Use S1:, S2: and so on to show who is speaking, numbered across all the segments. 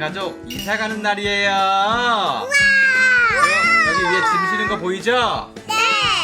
S1: 가족 이사 가는 날이에요.
S2: 우와!
S1: 여기 위에 짐 실은 거 보이죠?
S2: 네!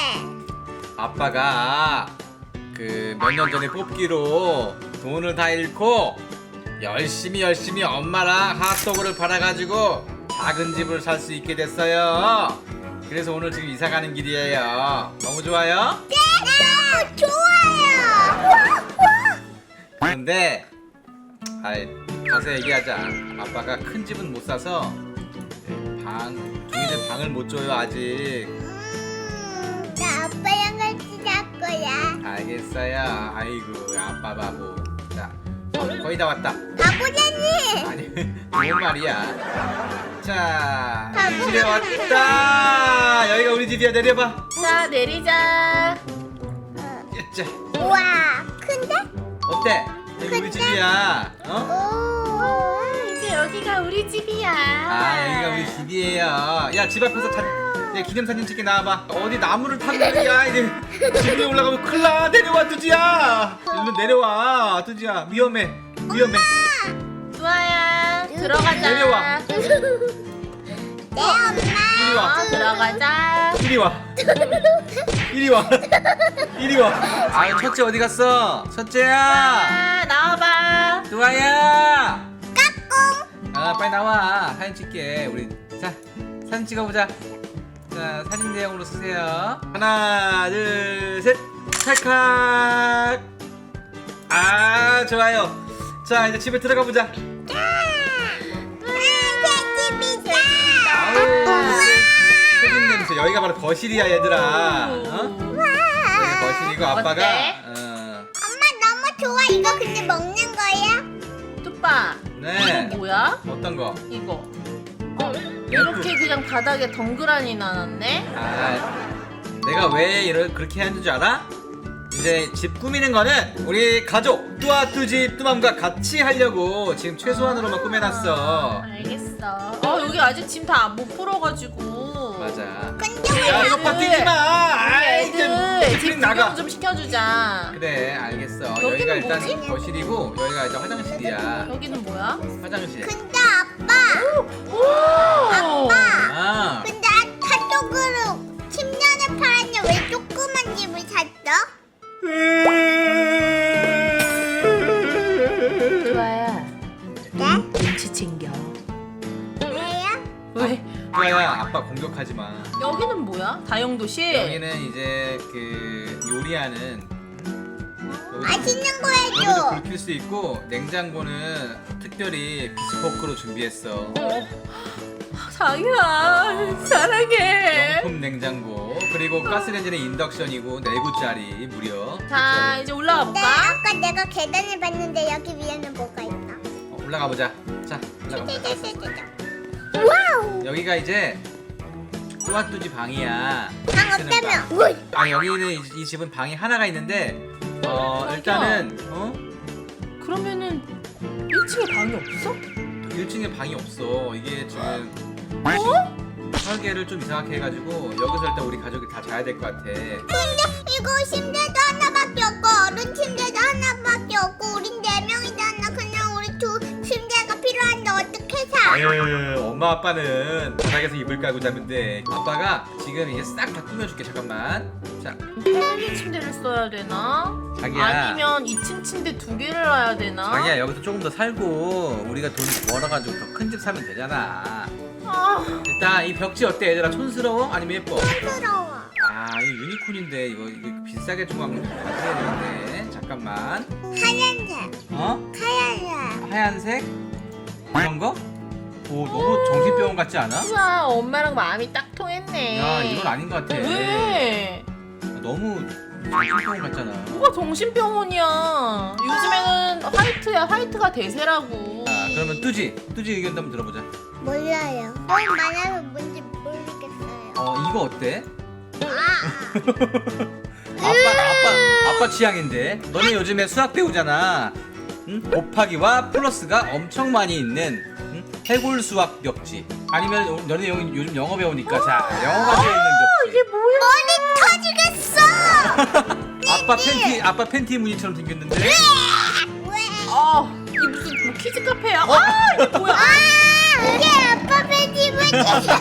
S1: 아빠가 그 몇 년 전에 뽑기로 돈을 다 잃고 열심히 엄마랑 핫도그를 팔아가지고 작은 집을 살 수 있게 됐어요. 그래서 오늘 지금 이사 가는 길이에요. 너무 좋아요?
S2: 네! 좋아요!
S1: 그런데 가서 얘기하자. 아빠가 큰 집은 못 사서 중이들 방을 못 줘요 아직.
S2: 나 아빠랑 같이 잘 거야.
S1: 알겠어요. 아이고 아빠 바보. 자, 거의 다 왔다.
S2: 바보잖니!
S1: 아니 좋은 말이야. 자,
S2: 바보.
S1: 집에 왔다. 여기가 우리 집이야. 내려봐.
S3: 자, 내리자.
S1: 자,
S2: 우와! 큰데?
S1: 어때? 여기 우리 집이야. 어?
S2: 오!
S3: 이제 여기가 우리 집이야.
S1: 여기가 우리 집이에요. 야, 집 앞에서 기념사진 찍게 나와봐. 어디 나무를 타고 야 이제 집 위에 올라가면 큰일 나. 내려와 두지야. 일로 내려와 두지야. 위험해.
S3: 좋아야. 들어가자.
S1: 내려와.
S2: 네, 엄마!
S1: 이리 와.
S3: 들어가자.
S1: 이리 와. 이리 와. 이리 와. 아유, 첫째 어디 갔어? 첫째야.
S3: 나와봐.
S1: 두아야.
S2: 까꿍!
S1: 빨리 나와. 사진 찍게. 우리 자, 사진 찍어보자. 자, 사진 대용으로 쓰세요. 하나, 둘, 셋. 찰칵. 좋아요. 자, 이제 집에 들어가 보자. 새집 냄새. 여기가 바로 거실이야, 얘들아. 여기가 거실이고 아빠가.
S3: 어때?
S2: 엄마 너무 좋아. 이거 근데 먹는 거야?
S3: 뚜빠.
S1: 네.
S3: 이거 뭐야?
S1: 어떤 거?
S3: 이거. 이렇게 그냥 바닥에 덩그라니 나놨네?
S1: 내가 왜 그렇게 하는 줄 알아? 이제 집 꾸미는 거는 우리 가족 뚜아뚜집 뚜맘과 같이 하려고 지금 최소한으로만 꾸며놨어.
S3: 알겠어. 여기 아직 짐 다 못 풀어가지고.
S1: 맞아.
S2: 근데
S1: 야, 이거 파 뛰지 마.
S3: 애들
S1: 집
S3: 집
S1: 나가.
S3: 구경 좀 시켜주자.
S1: 그래, 알겠어.
S3: 여기는
S1: 여기가 일단
S3: 뭐지?
S1: 거실이고 여기가 이제 화장실이야.
S3: 여기는 뭐야?
S1: 화장실.
S2: 근데 아빠!
S3: 오!
S1: 아,
S2: 근데 핫도그를 10년을 팔았는데 왜 조그만 집을 샀어?
S3: 좋아야.
S2: 네?
S3: 눈치 챙겨.
S2: 왜요?
S3: 왜?
S1: 뚜아야, 아빠 공격하지 마.
S3: 여기는 뭐야? 다용도실?
S1: 여기는 이제 그 요리하는.
S2: 맛있는 거
S1: 여기도
S2: 해줘.
S1: 불 켤 수 있고 냉장고는 특별히 비스포크로 준비했어.
S3: 자기야 사랑해.
S1: 명품 냉장고. 그리고 가스레인지는 인덕션이고 4구짜리 무려.
S3: 자 이제 올라가
S2: 네,
S3: 볼까?
S2: 아까 내가 계단을 봤는데 여기 위에는 뭐가 있나?
S1: 올라가 보자. 자, 올라가 보자.
S2: 짜자자자자. 와우!
S1: 여기가 이제 뚜아뚜지 방이야.
S2: 방
S1: 쓰는 방.
S2: 없다며?
S1: 여기는 이 집은 방이 하나가 있는데 일단은
S3: 그러면은 1층에 방이 없어?
S1: 1층에 방이 없어. 이게 지금 설계를 좀 이상하게 해가지고 여기서 일단 우리 가족이 다 자야 될 것 같아.
S2: 근데 이거 침대도 하나밖에 없고 어른 침대도 하나밖에 없고 우린 4명이잖아. 그냥 우리 두 침대가 필요한데 어떻게 사?
S1: 엄마 아빠는 바닥에서 이불 깔고 자면 돼. 아빠가 지금 이제 싹 다 꾸며줄게. 잠깐만. 자,
S3: 패밀리 침대를 써야 되나?
S1: 자기야.
S3: 아니면 2층 침대 2개를 놔야 되나?
S1: 자기야, 여기서 조금 더 살고 우리가 돈 벌어가지고 더 큰 집 사면 되잖아. 일단 이 벽지 어때 얘들아? 촌스러워? 아니면 예뻐?
S2: 부러워.
S1: 이거 유니콘인데 이거 비싸게 좀 하면 가져야 되는데. 잠깐만.
S2: 하얀색. 하얀색.
S1: 하얀색? 이런 거? 오, 너무 정신병원 같지 않아?
S3: 우와 엄마랑 마음이 딱 통했네.
S1: 야, 이건 아닌 것 같아.
S3: 왜?
S1: 너무 정신병원 같잖아.
S3: 뭐가 정신병원이야. 요즘에는 화이트야. 화이트가 대세라고.
S1: 그러면 뚜지 의견도 한번 들어보자.
S2: 몰라요. 너무 많아서 뭔지 모르겠어요.
S1: 이거 어때?
S2: 아,
S1: 아빠 취향인데. 너네 요즘에 수학 배우잖아. 응? 곱하기와 플러스가 엄청 많이 있는 해골 수학 벽지. 아니면 너네 요즘 영어 배우니까 자, 영어가 들어있는 벽지.
S3: 이게 뭐야?
S2: 머리 터지겠어.
S1: 아빠 팬티 무늬처럼 생겼는데.
S2: 왜?
S3: 이게 무슨 뭐 키즈 카페야? 이게 뭐야?
S2: 이게 아빠 배집을 찢어.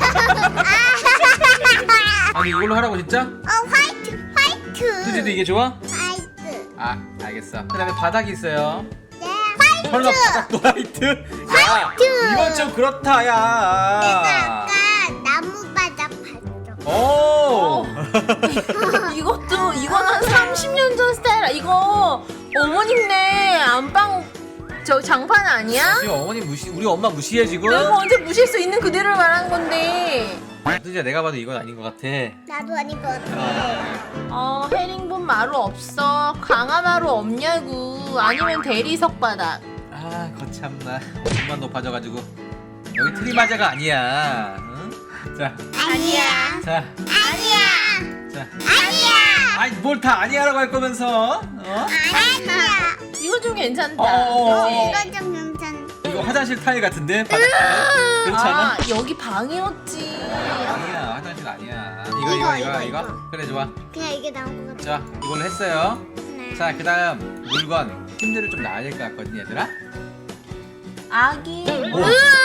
S1: 아니 이걸로 하라고 진짜?
S2: 화이트.
S1: 수지도 이게 좋아?
S2: 화이트.
S1: 아 알겠어. 그다음에 바닥이 있어요.
S2: 네. 화이트.
S1: 설마 바닥도 화이트? 야
S2: 화이트.
S1: 이건 좀 그렇다
S2: 내가
S1: 야.
S2: 아까 나무 바닥 봤어.
S1: 오.
S3: 이것도 이건 한 30년 전 스타일. 이거 어머님네 안방 저 장판 아니야?
S1: 지금 어머니 우리 엄마 무시해 지금?
S3: 내가 언제 무시할 수 있는 그대로 말한 건데.
S1: 수지야 내가 봐도 이건 아닌 것 같아.
S2: 나도 아닌 것 같아.
S3: 헤링본 마루 없어. 강화 마루 없냐고. 아니면 대리석 바닥.
S1: 아 거참나 몸만 높아져가지고 여기 트리마자가 아니야. 응? 자,
S2: 아니야.
S1: 자,
S2: 아니야.
S1: 자.
S2: 아니야.
S1: 아이 뭘 다 아니야라고 할 거면서? 어?
S2: 아니야.
S3: 이거 좀 괜찮다.
S1: 어.
S3: 그치?
S2: 이건 좀 괜찮아.
S1: 이거 화장실 타일 같은데? 바닥 타일? 그렇지 않아?
S3: 아 여기 방이었지.
S1: 아니야 화장실 아니야. 이거.
S2: 이거.
S1: 그래 좋아.
S2: 그냥 이게 나온 것 같아.
S1: 자 이걸로 했어요.
S2: 네.
S1: 자 그다음 물건 침대를 좀 놔야 될 것 같거든 얘들아.
S3: 아기.
S1: 오.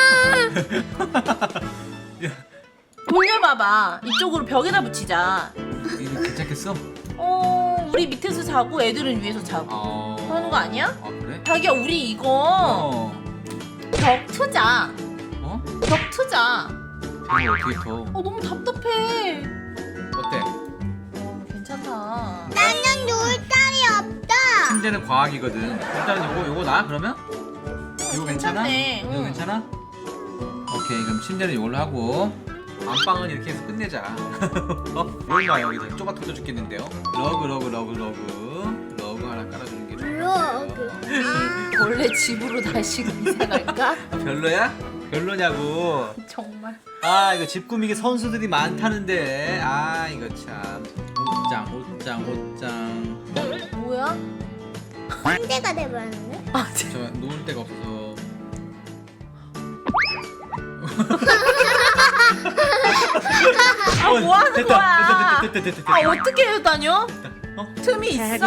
S3: 돌려봐봐. 이쪽으로 벽에다 붙이자.
S1: 이거 괜찮겠어?
S3: 우리 밑에서 자고 애들은 위에서 자고. 그러는 거 아니야?
S1: 아 그래?
S3: 자기야 우리 이거
S1: 어.
S3: 벽 트자.
S1: 어?
S3: 벽 트자.
S1: 이거 어떻게 더?
S3: 너무 답답해.
S1: 어때?
S3: 괜찮다.
S2: 나는 놀 딸이 없다.
S1: 침대는 과학이거든. 일단 요거 나 그러면? 이거 괜찮아?
S3: 괜찮네.
S1: 이거
S3: 응.
S1: 괜찮아? 오케이 그럼 침대는 이걸로 하고 안방은 이렇게 해서 끝내자. 얼마 여기서 좁아 터져 죽겠는데요. 러그 하나 깔아주는 게 좋을 것 같아요.
S3: 원래 집으로 다시 이사 갈까?
S1: 아, 별로야? 별로냐고.
S3: 정말.
S1: 아 이거 집 꾸미기 선수들이 많다는데. 아 이거 참. 옷장.
S3: 뭐야?
S2: 침대가 돼버렸네.
S3: 아,
S1: 저 놓을 데가 없어서.
S3: 뭐 하는
S1: 됐다.
S3: 거야?
S1: 됐다.
S3: 아 어떻게 해요 다녀?
S1: 어?
S3: 틈이 있어?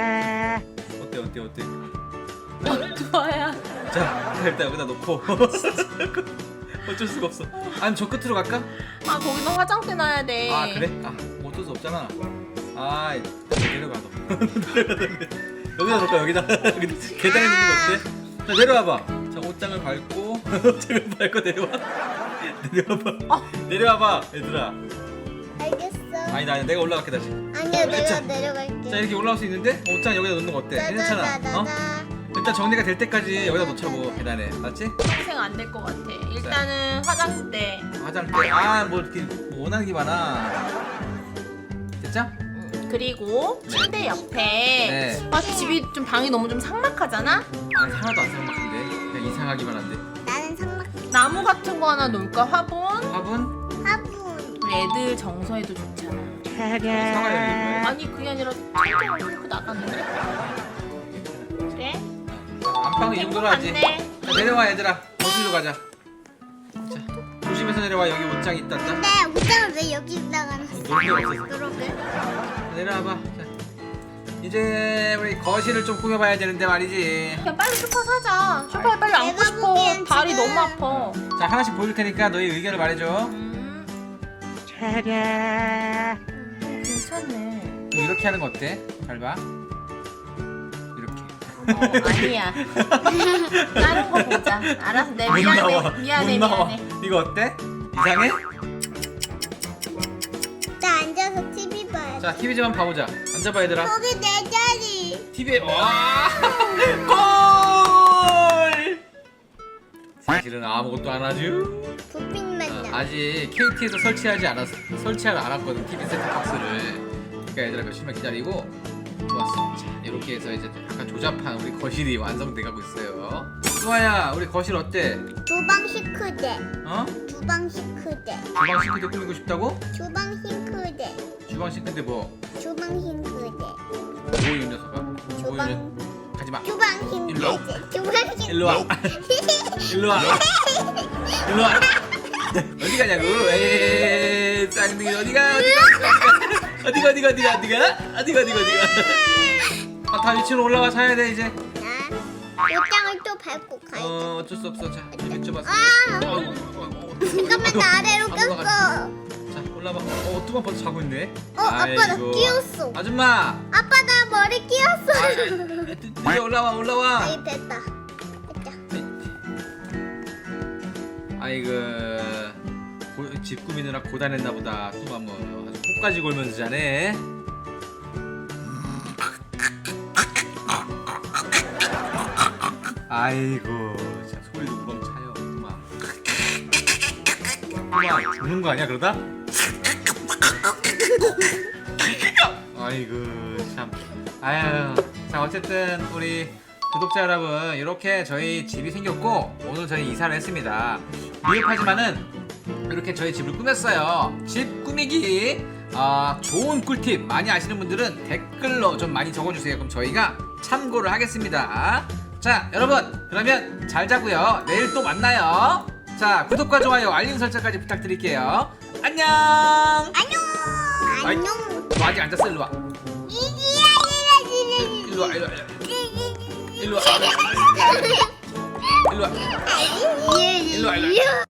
S1: 어때?
S3: 좋아야.
S1: 자, 일단 여기다 놓고. 어쩔 수가 없어. 아니 저 끝으로 갈까?
S3: 아 거기는 화장대 놔야 돼.
S1: 아 그래? 아 어쩔 수 없잖아. 아 내려가 너. 여기다 놓을까 여기다. 계단에 놓는 거 어때? 자 내려와봐. 자 옷장을 밟고 옷장을 밟고 내려와봐. 내려와봐 얘들아.
S2: 알겠어.
S1: 아니다 내가 올라갈게 다시.
S2: 아니야, 내가
S1: 자,
S2: 내려갈게.
S1: 자 이렇게 올라올 수 있는데 옷장 여기다 놓는 거 어때? 괜찮아? 어?
S2: 따다다다다.
S1: 일단 정리가 될 때까지 여기다 놓자고 계단에 맞지?
S3: 평생 안 될 것 같아. 일단은 화장대.
S1: 화장대 아뭐 이렇게 뭐 원하는 게 많아. 됐죠?
S3: 그리고 침대 옆에.
S1: 네.
S3: 아 집이 좀 방이 너무 좀 삭막하잖아.
S1: 아니 하나도 안 삭막한데 그냥 이상하기만 한데.
S2: 나는 상막
S3: 나무 같은 거 하나 놓을까? 화분.
S2: 화분.
S3: 우리 애들 정서에도 좋잖아.
S1: 상하야
S3: 아니 그게 아니라 천장을 뚫고 나갔는데. 그래?
S1: 안방은 이 정도로 하지.
S3: 맞네.
S1: 자, 내려와 얘들아 거실로 가자. 자 조심해서 내려와 여기 옷장 있단다.
S2: 근데 옷장을 왜 여기다가 놨어?
S1: 놀 데가 없어서.
S2: 그러게.
S1: 내려와봐. 자, 이제 우리 거실을 좀 꾸며봐야 되는데 말이지.
S3: 그냥 빨리 소파 사자. 소파에 빨리 앉고
S2: 내가
S3: 싶어.
S2: 보기엔
S3: 발이
S2: 지금-
S3: 너무 아파.
S1: 자 하나씩 보여줄 테니까 너희 의견을 말해줘.
S3: 괜찮네.
S1: 이렇게 하는 거 어때? 잘 봐. 이렇게.
S3: 아니야. 다른 거 보자. 알았어. 내
S1: 못
S3: 미안해.
S1: 나와.
S3: 미안해.
S1: 못 나와.
S3: 미안해.
S1: 이거 어때? 이상해?
S2: 나 앉아서 TV 봐야 돼.
S1: 자 TV 좀 한번 봐보자. 앉아봐 얘들아.
S2: 거기 내 자리.
S1: TV에 와 골! 사실은 아무것도 안 하죠.
S2: 부핀만 나.
S1: 아직 KT에서 설치하지 않았거든 TV 세트박스를. 그러니까 얘들아 몇십만 기다리고 좋았어. 자 이렇게 해서 이제 약간 조잡한 우리 거실이 완성돼가고 있어요. 수아야 우리 거실 어때?
S2: 주방 싱크대.
S1: 어?
S2: 주방 싱크대.
S1: 주방 싱크대 꾸미고 싶다고?
S2: 주방 싱크대.
S1: 주방 싱크대 뭐?
S2: 주방 싱크대.
S1: 뭐이 녀석아?
S2: 주방.
S1: 가지마.
S2: 주방
S1: 일로.
S2: 싱크대. 주방 싱크대.
S1: 일로 와. 일로 와. 일로 와. 어디 가냐고? 에이, 쌍둥이 어디가? 어디가? 아, 다 위치로 올라와 사야 돼 이제.
S2: 옷장을 또 밟고 가야 돼.
S1: 어쩔 수 없어. 자, 이리 좁았어.
S2: 잠깐만 나 아래로 꼈어.
S1: 자, 올라봐. 뚜만 벌써 자고 있네.
S2: 아빠 나
S1: 아이고.
S2: 끼웠어.
S1: 아줌마.
S2: 아빠 나 머리 끼웠어.
S1: 드디어 올라와.
S2: 아이 됐다. 됐다.
S1: 아이고. 집 꾸미느라 고단했나 보다. 뚜만 뭐 아주 코까지 골면서 자네. 아이고, 자 소리도 우렁차요. 뚜만. 뚜만 죽는 거 아니야 그러다? 아이고 참. 아유, 자 어쨌든 우리 구독자 여러분, 이렇게 저희 집이 생겼고 오늘 저희 이사를 했습니다. 미흡하지만은 이렇게 저희 집을 꾸몄어요. 집 꾸미기 좋은 꿀팁 많이 아시는 분들은 댓글로 좀 많이 적어주세요. 그럼 저희가 참고를 하겠습니다. 자 여러분, 그러면 잘 자고요. 내일 또 만나요. 자 구독과 좋아요 알림 설정까지 부탁드릴게요. 안녕.
S2: 안녕.
S1: 너 아직 안 잤어? 일로와. 일로와. 일로와. 일로와. 일로와.
S2: 일로와.